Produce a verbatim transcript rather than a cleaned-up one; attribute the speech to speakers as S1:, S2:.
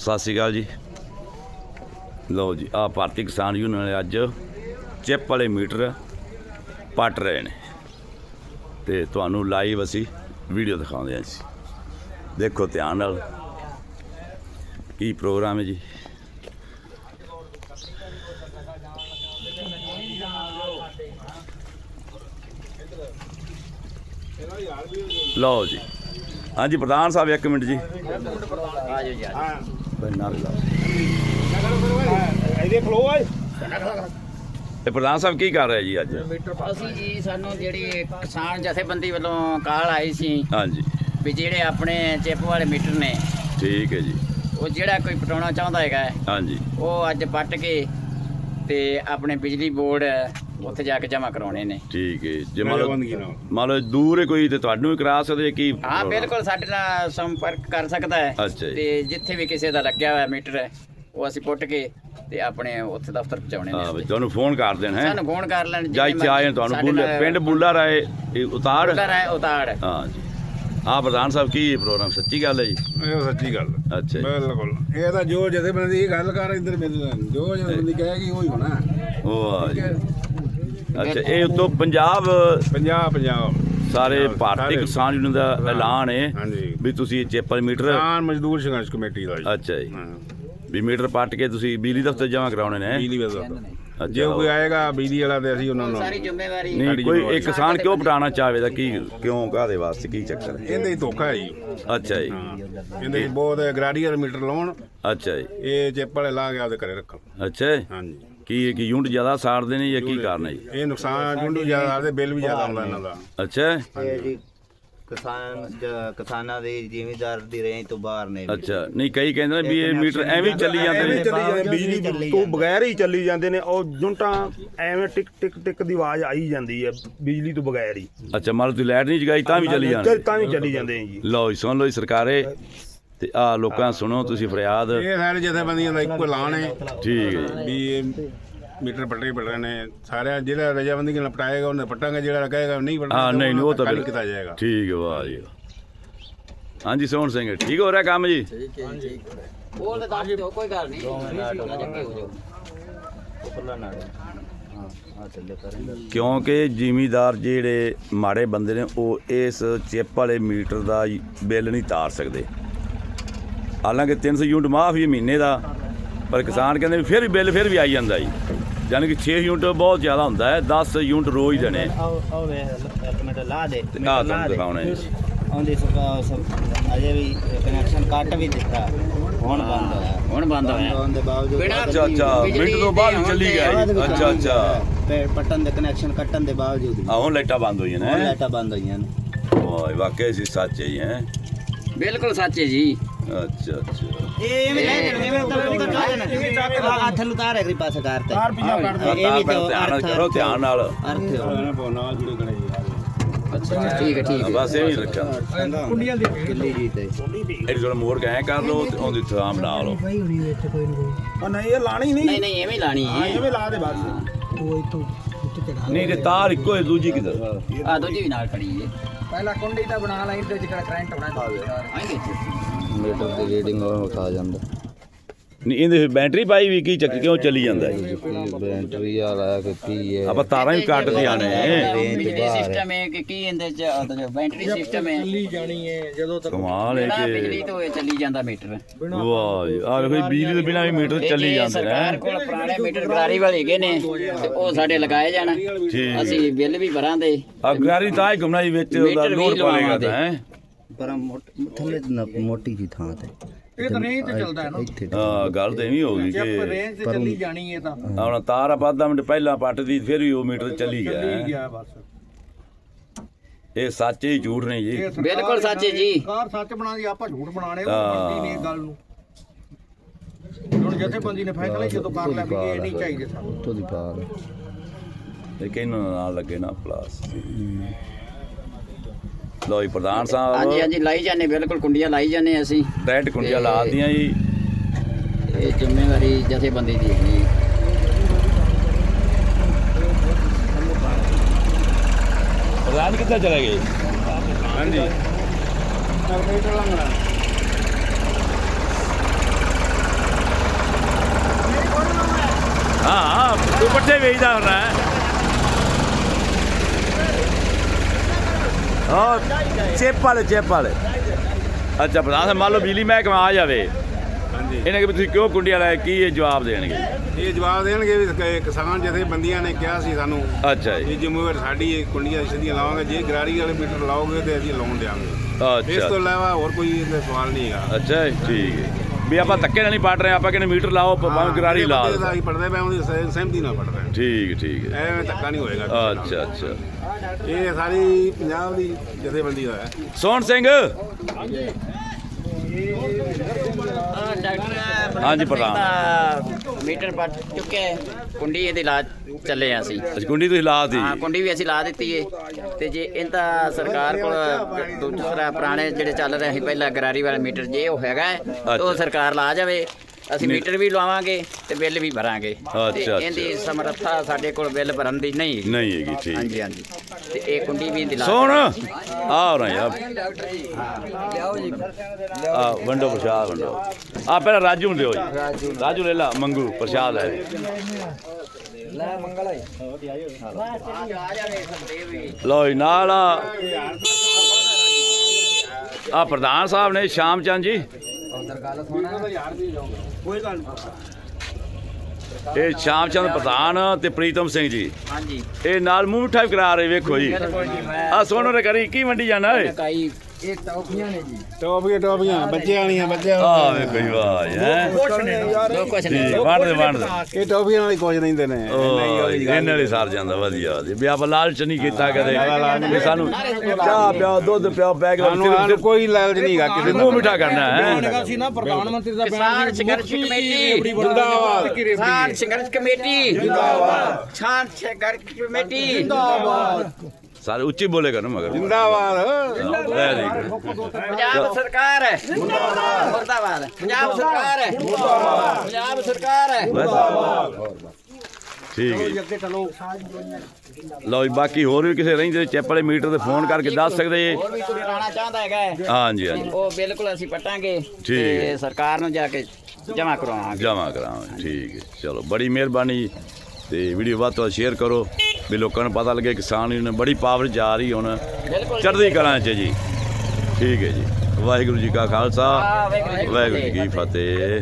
S1: ਸਤਿ ਸ਼੍ਰੀ ਅਕਾਲ ਜੀ। ਲਓ ਜੀ, ਆਹ ਭਾਰਤੀ ਕਿਸਾਨ ਯੂਨੀਅਨ ਵਾਲੇ ਅੱਜ ਚਿੱਪ ਵਾਲੇ ਮੀਟਰ ਪੱਟ ਰਹੇ ਨੇ ਤੇ ਤੁਹਾਨੂੰ ਲਾਈਵ ਅਸੀਂ ਵੀਡੀਓ ਦਿਖਾਉਂਦੇ ਹਾਂ ਜੀ। ਦੇਖੋ ਧਿਆਨ ਨਾਲ ਕੀ ਪ੍ਰੋਗਰਾਮ ਹੈ ਜੀ। ਲਓ ਜੀ, ਹਾਂਜੀ ਪ੍ਰਧਾਨ ਸਾਹਿਬ ਇੱਕ ਮਿੰਟ ਜੀ। ਇਹ ਪ੍ਰਧਾਨ ਸਾਹਿਬ ਕੀ ਕਰ ਰਹੇ ਜੀ ਅੱਜ?
S2: ਅਸੀਂ ਜੀ ਸਾਨੂੰ ਜਿਹੜੀ ਕਿਸਾਨ ਜਥੇਬੰਦੀ ਵੱਲੋਂ ਕਾਲ ਆਈ ਸੀ,
S1: ਹਾਂਜੀ,
S2: ਵੀ ਜਿਹੜੇ ਆਪਣੇ ਚਿੱਪ ਵਾਲੇ ਮੀਟਰ ਨੇ,
S1: ਠੀਕ ਹੈ ਜੀ,
S2: ਉਹ ਜਿਹੜਾ ਕੋਈ ਪਟਾਉਣਾ ਚਾਹੁੰਦਾ ਹੈਗਾ,
S1: ਹਾਂਜੀ,
S2: ਉਹ ਅੱਜ ਪੱਟ ਕੇ ਤੇ ਆਪਣੇ ਬਿਜਲੀ ਬੋਰਡ ਉੱਥੇ ਜਾ ਕੇ ਜਮ੍ਹਾਂ ਕਰਾਉਣੇ ਨੇ।
S1: ਠੀਕ ਹੈ। ਜੇ ਮੰਨ ਲਓ ਮੰਨ ਲਓ ਦੂਰ ਹੈ ਕੋਈ ਤੇ ਤੁਹਾਨੂੰ ਵੀ ਕਰਾ ਸਕਦੇ ਕੀ?
S2: ਹਾਂ ਬਿਲਕੁਲ, ਸਾਡੇ ਨਾਲ ਸੰਪਰਕ ਕਰ ਸਕਦਾ ਹੈ।
S1: ਅੱਛਾ ਜੀ।
S2: ਤੇ ਜਿੱਥੇ ਵੀ ਕਿਸੇ ਦਾ ਲੱਗਿਆ ਹੋਇਆ ਮੀਟਰ ਹੈ ਉਹ ਅਸੀਂ ਪੁੱਟ ਕੇ ਤੇ ਆਪਣੇ ਉੱਥੇ ਦਫ਼ਤਰ ਪਹੁੰਚਾਉਣੇ ਨੇ।
S1: ਹਾਂ ਵੀ ਤੁਹਾਨੂੰ ਫੋਨ ਕਰ ਦੇਣ ਹੈ,
S2: ਸਾਨੂੰ ਫੋਨ ਕਰ ਲੈਣ
S1: ਜਾਂ ਇੱਥੇ ਆਏ ਤੁਹਾਨੂੰ ਬੁੱਲਾ ਪਿੰਡ ਬੁੱਲਾ ਰਾਏ ਇਹ ਉਤਾੜ
S2: ਉਤਾੜ।
S1: ਹਾਂ ਜੀ। ਹਾਂ ਪ੍ਰਧਾਨ ਸਾਹਿਬ ਕੀ ਪ੍ਰੋਗਰਾਮ? ਸੱਚੀ ਗੱਲ ਹੈ ਜੀ?
S3: ਇਹ ਸੱਚੀ ਗੱਲ।
S1: ਅੱਛਾ ਜੀ,
S3: ਬਿਲਕੁਲ। ਇਹ ਤਾਂ ਜੋ ਜਥੇਬੰਦੀ ਦੀ ਗੱਲ ਕਰ ਇੱਧਰ ਮੇਰੇ ਜੋ ਜਥੇਬੰਦੀ ਕਹੇਗੀ ਉਹ ਹੀ ਹੋਣਾ।
S1: ਉਹ ਜੀ। ਅੱਛਾ, ਇਹ ਉਤੋਂ ਪੰਜਾਬ
S3: ਪੰਜਾਬ ਪੰਜਾਬ
S1: ਸਾਰੇ ਭਾਰਤੀ ਕਿਸਾਨ ਯੂਨੀਅਨ ਦਾ ਐਲਾਨ ਹੈ
S3: ਹਾਂਜੀ
S1: ਵੀ ਤੁਸੀਂ ਚੇਪਲ ਮੀਟਰ
S3: ਕਿਸਾਨ ਮਜ਼ਦੂਰ ਸੰਘਰਸ਼ ਕਮੇਟੀ ਦਾ ਜੀ।
S1: ਅੱਛਾ ਜੀ, ਵੀ ਮੀਟਰ ਪੱਟ ਕੇ ਤੁਸੀਂ ਬਿਜਲੀ ਦਫ਼ਤਰ ਜਮ੍ਹਾਂ ਕਰਾਉਣੇ ਨੇ।
S3: ਬਿਜਲੀ ਵਾਲਾ ਜੇ ਕੋਈ ਆਏਗਾ ਬਿਜਲੀ ਵਾਲਾ ਤੇ ਅਸੀਂ ਉਹਨਾਂ ਨੂੰ
S2: ਸਾਰੀ ਜ਼ਿੰਮੇਵਾਰੀ।
S1: ਨਹੀਂ, ਕੋਈ ਇੱਕ ਕਿਸਾਨ ਕਿਉਂ ਪਟਾਉਣਾ ਚਾਹਵੇ ਦਾ ਕੀ ਕਿਉਂ ਕਾਹਦੇ ਵਾਸਤੇ ਕੀ ਚੱਕਰ ਹੈ?
S3: ਇਹਦੇ ਹੀ ਧੋਖਾ ਹੈ ਜੀ।
S1: ਅੱਛਾ ਜੀ,
S3: ਇਹਦੇ ਹੀ ਬਹੁਤ ਗ੍ਰਾਡੀਅਰ ਮੀਟਰ ਲਾਉਣ,
S1: ਅੱਛਾ ਜੀ,
S3: ਇਹ ਚਿੱਪ ਵਾਲੇ ਲਾ ਕੇ ਆਪਦੇ ਘਰੇ ਰੱਖਣ।
S1: ਅੱਛਾ ਜੀ।
S3: ਹਾਂਜੀ।
S1: ਕੀ ਕੀ ਯੂਨਿਟ ਜ਼ਿਆਦਾ ਸਾੜਦੇ ਨੇ ਜਾਂ ਕੀ ਕਾਰਨ ਹੈ ਜੀ?
S3: ਇਹ ਨੁਕਸਾਨ ਜੁੰਡੂ ਜ਼ਿਆਦਾ ਆਦੇ, ਬਿੱਲ ਵੀ ਜ਼ਿਆਦਾ ਆਉਂਦਾ ਇਹਨਾਂ ਦਾ।
S1: ਅੱਛਾ
S4: ਇਹ ਜੀ ਕਿਸਾਨ ਜ- ਕਿਸਾਨਾਂ ਦੇ ਜ਼ਿਮੀਦਾਰ ਦੀ ਰੇਂਜ ਤੋਂ ਬਾਹਰ ਨੇ।
S1: ਅੱਛਾ। ਨਹੀਂ, ਕਈ ਕਹਿੰਦੇ ਨੇ ਵੀ ਇਹ ਮੀਟਰ ਐਵੇਂ ਹੀ ਚੱਲੀ ਜਾਂਦੇ ਨੇ।
S5: ਚੱਲੀ ਜਾਂਦੇ, ਬਿਜਲੀ ਤੋਂ ਬਗੈਰ ਹੀ ਚੱਲੀ ਜਾਂਦੇ ਨੇ। ਉਹ ਜੁੰਟਾਂ ਐਵੇਂ ਟਿਕ ਟਿਕ ਟਿਕ ਦੀ ਆਵਾਜ਼ ਆਈ ਜਾਂਦੀ ਹੈ ਬਿਜਲੀ ਤੋਂ ਬਗੈਰ ਹੀ।
S1: ਅੱਛਾ, ਮੰਨ ਲਓ ਤੁਸੀਂ ਲਾਈਟ ਨਹੀਂ ਜਗਾਈ ਤਾਂ ਵੀ ਚੱਲੀ ਜਾਂਦੇ?
S5: ਤਾਂ ਵੀ ਚੱਲੀ ਜਾਂਦੇ ਨੇ ਜੀ।
S1: ਲਓ ਜੀ, ਸੁਣ ਲਓ ਜੀ ਸਰਕਾਰੇ ਤੇ ਆਹ ਲੋਕਾਂ ਸੁਣੋ ਤੁਸੀਂ ਫਰਿਆਦ।
S3: ਇਹ ਸਾਰੇ ਜਥੇਬੰਦੀਆਂ ਦਾ ਇੱਕੋ ਐਲਾਨ ਹੈ
S1: ਠੀਕ ਹੈ ਜੀ।
S3: ਵੀ ਇਹ ਮੀਟਰ ਪੱਟੇ ਪੱਟਣੇ ਨੇ ਸਾਰਿਆਂ। ਜਿਹੜਾ ਰਜਾਬੰਦੀ ਨਾਲ ਪਟਾਏਗਾ ਉਹਨੇ ਪੱਟਾਂਗੇ, ਜਿਹੜਾ ਕਹੇਗਾ ਨਹੀਂ ਪੱਟਣਾ
S1: ਹਾਂ ਨਹੀਂ ਉਹ ਤਾਂ
S3: ਕੱਲ੍ਹ ਕੀਤਾ ਜਾਏਗਾ।
S1: ਠੀਕ ਹੈ। ਵਾਹ ਜੀ। ਹਾਂਜੀ ਸੋਹਣ ਸਿੰਘ, ਠੀਕ ਹੋ ਰਿਹਾ ਕੰਮ ਜੀ?
S2: ਬੋਲ ਤੇ ਦੱਸ ਦਿਓ, ਕੋਈ ਗੱਲ ਨਹੀਂ। ਜੱਗੇ ਹੋ ਜਾਓ।
S1: ਕਿਉਂਕਿ ਜ਼ਿਮੀਦਾਰ ਜਿਹੜੇ ਮਾੜੇ ਬੰਦੇ ਨੇ ਉਹ ਇਸ ਚਿੱਪ ਵਾਲੇ ਮੀਟਰ ਦਾ ਬਿੱਲ ਨਹੀਂ ਤਾਰ ਸਕਦੇ। ਹਾਲਾਂਕਿ ਤਿੰਨ ਸੌ ਯੂਨਿਟ ਮਾਫ ਹੀ ਮਹੀਨੇ ਦਾ, ਪਰ ਕਿਸਾਨ ਕਹਿੰਦੇ ਵੀ ਫਿਰ ਵੀ ਬਿੱਲ ਫਿਰ ਵੀ ਆਈ ਜਾਂਦਾ ਜੀ। ਯਾਨੀ ਕਿ ਛੇ ਯੂਨਿਟ ਬਹੁਤ ਜ਼ਿਆਦਾ ਹੁੰਦਾ ਹੈ, ਦਸ ਯੂਨਿਟ ਰੋਜ਼ ਦੇਣੇ।
S4: ਇੱਕ ਮਿੰਟ ਲਾ ਦੇ।
S1: ਆਹ ਤੁਹਾਨੂੰ ਦਿਖਾਉਣਾ ਹੈ ਜੀ।
S4: ਉਹਦੀ ਅਜੇ ਵੀ ਕਨੈਕਸ਼ਨ ਕੱਟ ਵੀ ਦਿੱਤਾ, ਹੁਣ ਬੰਦ ਹੋਇਆ।
S2: ਹੁਣ ਬੰਦ ਹੋਇਆ।
S4: ਹੋਣ ਦੇ ਬਾਵਜੂਦ
S1: ਅੱਛਾ ਅੱਛਾ, ਮਿੰਟ ਤੋਂ ਬਾਅਦ ਹੀ ਚੱਲੀ ਗਿਆ ਜੀ। ਅੱਛਾ ਅੱਛਾ,
S4: ਪੱਟਣ ਦੇ ਕਨੈਕਸ਼ਨ ਕੱਟਣ ਦੇ ਬਾਵਜੂਦ
S1: ਆਹ ਹੁਣ ਲਾਈਟਾਂ ਬੰਦ ਹੋਈਆਂ
S4: ਹੁਣ
S1: ਨੇ।
S4: ਲਾਈਟਾਂ ਬੰਦ ਹੋਈਆਂ ਨੇ।
S1: ਵਾਹ, ਵਾਕਈ ਸੀ ਸੱਚ ਹੈ ਜੀ। ਹੈ
S2: ਬਿਲਕੁਲ ਸੱਚ ਹੈ ਜੀ।
S1: ਅੱਛਾ ਅੱਛਾ।
S4: ਇਹ ਐਵੇਂ ਲੈ ਜਾਣਾ, ਐਵੇਂ ਤਾਂ ਨਹੀਂ ਕਰਨਾ। ਆ ਹੱਥ ਨੂੰ ਤਾਰ ਅਗਲੀ ਪਾਸੇ ਕਰਤੇ।
S5: ਤਾਰ ਪਿੱਛਾ ਕੱਢ ਦੇ।
S4: ਇਹ ਵੀ ਤੇ
S1: ਧਿਆਨ ਨਾਲ ਕਰੋ, ਧਿਆਨ ਨਾਲ।
S4: ਅਰਥ
S3: ਨਾਲ ਜੁੜੇ ਗਣੇ ਜੀ।
S2: ਅੱਛਾ ਠੀਕ ਹੈ ਠੀਕ ਹੈ।
S1: ਬਸ ਇਹ ਵੀ ਰੱਖਿਆ।
S5: ਕੁੰਡੀਆਂ ਦੀ
S4: ਕਿੱਲੀ ਜੀ ਤੇ
S1: ਇਹ ਜਿਹੜਾ ਮੋੜ ਕੇ ਐਂ ਕਰ ਲਓ ਤੇ ਉਹਦੀ ਥਾਂ ਬਣਾ ਲਓ।
S5: ਉਹ ਨਹੀਂ, ਇਹ ਲਾਣੀ ਨਹੀਂ।
S2: ਨਹੀਂ ਨਹੀਂ ਐਵੇਂ ਲਾਣੀ ਹੈ।
S5: ਐਵੇਂ ਲਾ ਦੇ ਬਸ।
S1: ਨਹੀਂ ਤੇ ਤਾਰ ਇੱਕੋ ਹੈ, ਦੂਜੀ ਕਿਧਰ?
S2: ਆ ਦੂਜੀ ਵੀ ਨਾਲ ਖੜੀ ਹੈ।
S5: ਪਹਿਲਾਂ ਕੁੰਡੀ ਤਾਂ ਬਣਾ ਲਈ ਤੇ ਜਿਹੜਾ ਕਰੰਟ ਬਣਾ
S2: ਆਏਂਗੇ।
S4: ਮੀਟਰ ਦੀ ਰੀਡਿੰਗ ਉਹ ਖਾ ਜਾਂਦਾ।
S1: ਨਹੀਂ ਇਹਦੇ ਬੈਟਰੀ ਪਾਈ ਵੀ ਕੀ ਚੱਕ ਕਿਉਂ ਚੱਲੀ ਜਾਂਦਾ ਹੈ?
S4: ਬੈਟਰੀ ਵਾਲਾ ਕਿ ਕੀ ਹੈ?
S1: ਆਪਾਂ ਤਾਰਾਂ ਵੀ ਕੱਟਦੀਆਂ ਨੇ।
S2: ਬਿਜਲੀ ਸਿਸਟਮ ਹੈ ਕਿ ਕੀ ਇਹਦੇ ਚ ਬੈਟਰੀ ਸਿਸਟਮ ਹੈ।
S5: ਚੱਲੀ ਜਾਣੀ ਹੈ ਜਦੋਂ ਤੱਕ।
S1: ਕਮਾਲ ਹੈ
S2: ਜਿਹੜਾ
S1: ਕਿ
S2: ਬਿਜਲੀ ਤੋਂ ਇਹ ਚੱਲੀ ਜਾਂਦਾ ਮੀਟਰ।
S1: ਵਾਹ ਜੀ, ਆਹ ਵੇਖੋ ਬਿਜਲੀ ਤੋਂ ਬਿਨਾਂ ਵੀ ਮੀਟਰ ਚੱਲੀ
S2: ਇਹ
S1: ਜਾਂਦੇ
S2: ਸਰਕਾਰ
S1: ਨੇ।
S2: ਕੋਲ ਪੁਰਾਣੇ ਮੀਟਰ ਗਰਾਰੀ ਵਾਲੇ ਹੈਗੇ ਨੇ ਤੇ ਉਹ ਸਾਡੇ ਲਗਾਏ ਜਾਣ,
S1: ਠੀਕ।
S2: ਅਸੀਂ ਬਿੱਲ ਵੀ ਭਰਾਂਦੇ।
S1: ਆ ਗਾਰੀ ਤਾਂ ਹੀ ਘੁੰਮਣਾ ਜੀ ਵਿੱਚ ਉਹਦਾ
S2: ਮੀਟਰ ਵੀ
S1: ਲੋਡ ਪਾਵੇਗਾ ਤਾਂ ਹੈ।
S4: ਪਰ ਥੱਲੇ ਮੋਟੀ ਜੀ ਥਾਂ ਤੇ
S5: ਇਹ ਤਾਂ ਰੇਂਜ ਤੇ ਚੱਲਦਾ ਹੈ ਨਾ।
S4: ਇੱਥੇ
S1: ਹਾਂ ਗੱਲ ਤਾਂ ਐਵੇਂ ਹੋ ਗਈ
S5: ਜੇ
S1: ਕਿ
S5: ਰੇਂਜ ਤੇ ਚੱਲੀ ਜਾਣੀ ਹੈ ਤਾਂ
S1: ਹੁਣ ਤਾਰ ਆਪਾਂ ਅੱਧਾ ਮਿੰਟ ਪਹਿਲਾਂ ਪੱਟਦੀ ਫਿਰ ਵੀ ਉਹ ਮੀਟਰ ਚੱਲੀ ਗਿਆ
S5: ਚੱਲੀ
S1: ਹੈ।
S5: ਗਿਆ ਬਸ।
S1: ਇਹ ਸੱਚ ਹੀ ਝੂਠ ਨਹੀਂ ਜੀ।
S5: ਇਹ ਸਰਕਾਰ
S2: ਬਿਲਕੁਲ ਸੱਚ ਹੈ ਜੀ।
S5: ਸਰਕਾਰ ਸੱਚ ਬਣਾਦੀ, ਆਪਾਂ ਝੂਠ ਬਣਾਣੇ। ਉਹ
S1: ਹਾਂ।
S5: ਮੰਨਦੀ ਨਹੀਂ ਇਹ ਗੱਲ ਨੂੰ। ਹੁਣ ਜਥੇਬੰਦੀ ਨੇ ਫੈਸਲਾ ਹੀ ਜਦੋਂ ਕਰ ਲਿਆ ਵੀ ਇਹ ਨਹੀਂ ਚਾਹੀਦੇ ਸਾਨੂੰ।
S4: ਉੱਥੋਂ ਦੀ ਪਾਰ
S1: ਇਹ ਕਿਹਨੂੰ ਨਾਲ ਲੱਗੇ ਨਾ ਪਲਾਸ। ਲੋ ਜੀ ਪ੍ਰਧਾਨ ਸਾਹਿਬ,
S2: ਹਾਂਜੀ ਹਾਂਜੀ ਲਾਈ ਜਾਂਦੇ, ਬਿਲਕੁਲ ਕੁੰਡੀਆਂ ਲਾਈ ਜਾਂਦੇ ਅਸੀਂ।
S1: ਡਾਇਰੈਕਟ ਕੁੰਡੀਆਂ ਲਾ ਦੀਆਂ ਜੀ।
S2: ਇਹ ਜ਼ਿੰਮੇਵਾਰੀ ਜਥੇਬੰਦੀ ਦੀ ਹੈਗੀ।
S1: ਪ੍ਰਧਾਨ ਕਿੱਥੇ ਚਲੇ ਗਏ?
S3: ਹਾਂਜੀ।
S1: ਤੂੰ ਪੱਠੇ ਵੇਚਦਾ ਹੁਣ ਹੈ ਹਾਂ ਚਿੱਪ ਵਾਲੇ ਚਿੱਪ ਵਾਲੇ ਅੱਛਾ ਪ੍ਰਧਾਨ ਸਾਹਿਬ ਮੰਨ ਲਓ ਬਿਜਲੀ ਮਹਿਕਮਾ ਆ ਜਾਵੇ
S3: ਹਾਂਜੀ
S1: ਇਹਨਾਂ ਕਿ ਤੁਸੀਂ ਕਿਉਂ ਕੁੰਡੀਆਂ ਲਾਇਆ ਕੀ ਇਹ ਜਵਾਬ ਦੇਣਗੇ
S3: ਇਹ ਜਵਾਬ ਦੇਣਗੇ ਵੀ ਕ- ਕਿਸਾਨ ਜਥੇਬੰਦੀਆਂ ਨੇ ਕਿਹਾ ਸੀ ਸਾਨੂੰ
S1: ਅੱਛਾ ਜੀ
S3: ਇਹ ਜ਼ਿੰਮੇਵਾਰੀ ਸਾਡੀ ਇਹ ਕੁੰਡੀਆਂ ਸਿੱਧੀਆਂ ਲਾਵਾਂਗੇ ਜੇ ਗਰਾਰੀ ਵਾਲੇ ਮੀਟਰ ਲਾਓਗੇ ਤੇ ਅਸੀਂ ਲਾਉਣ ਦਿਆਂਗੇ ਇਸ
S1: ਅੱਛਾ
S3: ਤੋਂ ਇਲਾਵਾ ਹੋਰ ਕੋਈ ਇਹਦਾ ਸਵਾਲ ਨਹੀਂ ਹੈਗਾ
S1: ਅੱਛਾ ਜੀ, ਠੀਕ ਹੈ ਵੀ ਆਪਾਂ ਧੱਕੇ ਨਾਲ ਨਹੀਂ ਪੜ ਰਹੇ ਆਪਾਂ ਕਹਿੰਦੇ ਮੀਟਰ ਲਾਓ ਭਾਵੇਂ ਗਰਾਰੀ ਲਾ ਦਿਓ।
S3: ਅਸੀਂ ਪੜਦੇ ਪਏ ਉਹਦੀ ਸਹਿ- ਸਹਿਮਤੀ ਨਾਲ ਪੜ ਰਹੇ
S1: ਠੀਕ ਠੀਕ ਹੈ
S3: ਐਵੇਂ ਧੱਕਾ ਨਹੀਂ ਹੋਏਗਾ ਕਿਸੇ ਨਾਲ।
S1: ਅੱਛਾ ਅੱਛਾ
S3: ਇਹ ਸਾਰੀ ਪੰਜਾਬ ਦੀ ਜਥੇਬੰਦੀ ਦਾ ਹੈ
S1: ਸੋਹਣ ਸਿੰਘ ਹਾਂਜੀ, ਪ੍ਰਧਾਨ।
S2: ਮੀਟਰ ਪੱਟ ਚੁੱਕੇ ਕੁੰਡੀ ਇਹਦੀ ਲਾ ਚੱਲੇ ਆ ਅਸੀਂ
S1: ਅੱਛਾ ਕੁੰਡੀ ਤੁਸੀਂ ਲਾ ਦਿੱਤੀ
S2: ਹਾਂ ਕੁੰਡੀ ਵੀ ਅਸੀਂ ਲਾ ਦਿੱਤੀ ਏ ਤੇ ਜੇ ਇਹਦਾ ਸਰਕਾਰ ਕੋਲ ਦੂਸਰਾ ਪੁਰਾਣੇ ਜਿਹੜੇ ਚੱਲ ਰਹੇ ਸੀ ਪਹਿਲਾਂ ਗਰਾਰੀ ਵਾਲਾ ਮੀਟਰ ਜੇ ਉਹ ਹੈਗਾ ਹੈ, ਤਾਂ ਉਹ ਸਰਕਾਰ ਲਾ ਜਾਵੇ ਅਸੀਂ ਮੀਟਰ ਵੀ ਲਵਾਵਾਂਗੇ ਤੇ ਬਿੱਲ ਵੀ ਭਰਾਂਗੇ
S1: ਅੱਛਾ,
S2: ਤੇ
S1: ਅੱਛਾ।
S2: ਇਹਦੀ ਸਮਰੱਥਾ ਸਾਡੇ ਕੋਲ ਬਿੱਲ ਭਰਨ ਦੀ ਨਹੀਂ ਹੈਗੀ।
S1: ਨਹੀਂ ਹੈਗੀ ਠੀਕ
S2: ਹਾਂਜੀ ਹਾਂਜੀ ਤੇ ਇਹ ਕੁੰਡੀ ਵੀ ਇਹਦੀ ਲਾ
S1: ਸੋਹਣ ਆ ਰਹਾ ਯਾਰ ਆ ਵੰਡੋ ਪ੍ਰਸ਼ਾਦ ਵੰਡੋ ਆ ਪਹਿਲਾਂ ਰਾਜੂ ਨੂੰ ਦਿਓ ਜੀ ਰਾਜੂ ਲੈ ਲਾ ਮੰਗੂ ਪ੍ਰਸ਼ਾਦ ਲੈ ਲੋ ਜੀ ਨਾਲ ਆ ਆ ਪ੍ਰਧਾਨ ਸਾਹਿਬ ਨੇ ਸ਼ਾਮ ਚੰਦ ਜੀ ਇਹ ਸ਼ਾਮ ਚੰਦ ਪ੍ਰਧਾਨ ਤੇ ਪ੍ਰੀਤਮ ਸਿੰਘ ਜੀ
S2: ਹਾਂਜੀ
S1: ਇਹ ਨਾਲ ਮੂੰਹ ਮਿੱਠਾ ਵੀ ਕਰਾ ਰਹੇ ਵੇਖੋ ਜੀ ਆ ਸੋਨੋ ਨੇ ਕਰੀ ਕੀ ਮੰਡੀ ਜਾਣਾ ਓਏ
S2: ਕਾਈ
S3: ਟੋਪੀਆਂ ਟੋਪੀਆਂ ਬੱਚਿਆਂ ਵਾਲੀਆਂ ਬੱਚਿਆਂ
S1: ਆ ਵੇਖੋ ਜੀ ਵਾਹ ਹੈ
S2: ਜੋ ਕੁਛ ਨਹੀਂ
S1: ਠੀਕ ਵੰਡ ਦੇ ਵੰਡ ਦੇ
S3: ਇਹ ਟੋਪੀਆਂ ਨਾਲ ਹੀ ਕੁਝ ਦਿੰਦੇ ਨੇ
S1: ਉਹ ਇਹਨਾਂ ਵਾਲੀ ਸਾਰ ਜਾਂਦਾ ਵਧੀਆ ਵਧੀਆ ਵੀ ਆਪਾਂ ਲਾਲਚ ਨਹੀਂ ਕੀਤਾ ਕਦੇ ਵੀ ਸਾਨੂੰ ਚਾਹ ਪਿਆਓ ਦੁੱਧ ਪਿਆਓ ਬੈਗ
S3: ਸਾਨੂੰ ਸਾਨੂੰ ਕੋਈ ਲਾਲਚ ਨਹੀਂ ਹੈਗਾ ਕਿਸੇ
S1: ਮੂੰਹ ਮਿੱਠਾ ਕਰਨਾ ਹੈ
S6: ਸੀ ਨਾ ਪ੍ਰਧਾਨ ਮੰਤਰੀ ਦਾ
S2: ਕਿਸਾਨ ਸੰਘਰਸ਼ ਕਮੇਟੀ
S3: ਜਿੰਦਾਬਾਦ
S2: ਕਿਸਾਨ ਸੰਘਰਸ਼ ਕਮੇਟੀ ਜਿੰਦਾਬਾਦ ਕਿਸਾਨ ਸੰਘਰਸ਼ ਕਮੇਟੀ ਜਿੰਦਾਬਾਦ
S1: ਸਾਰੇ ਉੱਚੀ ਬੋਲੇਗਾ ਨਾ ਮਗਰ
S3: ਜਿੰਦਾਬਾਦ
S1: ਵੈਰੀ ਗੁੱਡ
S2: ਪੰਜਾਬ ਸਰਕਾਰ ਹੈ ਮੁਰਦਾਬਾਦ ਮੁਰਦਾਬਾਦ ਪੰਜਾਬ ਸਰਕਾਰ ਹੈ ਮੁਰਦਾਬਾਦ ਪੰਜਾਬ ਸਰਕਾਰ ਹੈ
S1: ਠੀਕ ਹੈ ਜੀ ਲਓ ਜੀ ਬਾਕੀ ਹੋਰ ਵੀ ਕਿਸੇ ਰਹਿੰਦੇ ਚੈਪ ਵਾਲੇ ਮੀਟਰ ਤੇ ਫੋਨ ਕਰਕੇ ਦੱਸ ਸਕਦੇ ਜੀ
S2: ਹੋਰ ਵੀ ਕੋਈ ਲਾਣਾ ਚਾਹੁੰਦਾ ਹੈਗਾ ਹੈ,
S1: ਹਾਂਜੀ ਹਾਂਜੀ
S2: ਉਹ ਬਿਲਕੁਲ ਅਸੀਂ ਪਟਾਂਗੇ
S1: ਠੀਕ ਹੈ।
S2: ਤੇ ਸਰਕਾਰ ਨੂੰ ਜਾ ਕੇ ਜਮ੍ਹਾਂ ਕਰਵਾਵਾਂਗੇ
S1: ਜਮ੍ਹਾਂ ਕਰਾਵਾਂਗੇ ਠੀਕ ਹੈ ਚਲੋ ਬੜੀ ਮਿਹਰਬਾਨੀ ਜੀ ਤੇ ਵੀਡੀਓ ਵੱਧ ਤੋਂ ਵੱਧ ਸ਼ੇਅਰ ਕਰੋ ਵੀ ਲੋਕਾਂ ਨੂੰ ਪਤਾ ਲੱਗੇ ਕਿਸਾਨ ਯੂਨੀਅਨ ਬੜੀ ਪਾਵਰ ਜਾ ਰਹੀ ਹੁਣ
S2: ਬਿਲਕੁਲ
S1: ਚੜ੍ਹਦੀ ਕਲਾਂ 'ਚ ਜੀ ਠੀਕ ਹੈ ਜੀ ਵਾਹਿਗੁਰੂ ਜੀ ਕਾ ਖਾਲਸਾ
S2: ਵਾਹਿਗੁਰੂ ਜੀ ਕੀ
S1: ਵਾਹਿਗੁਰੂ ਜੀ ਕੀ ਫਤਿਹ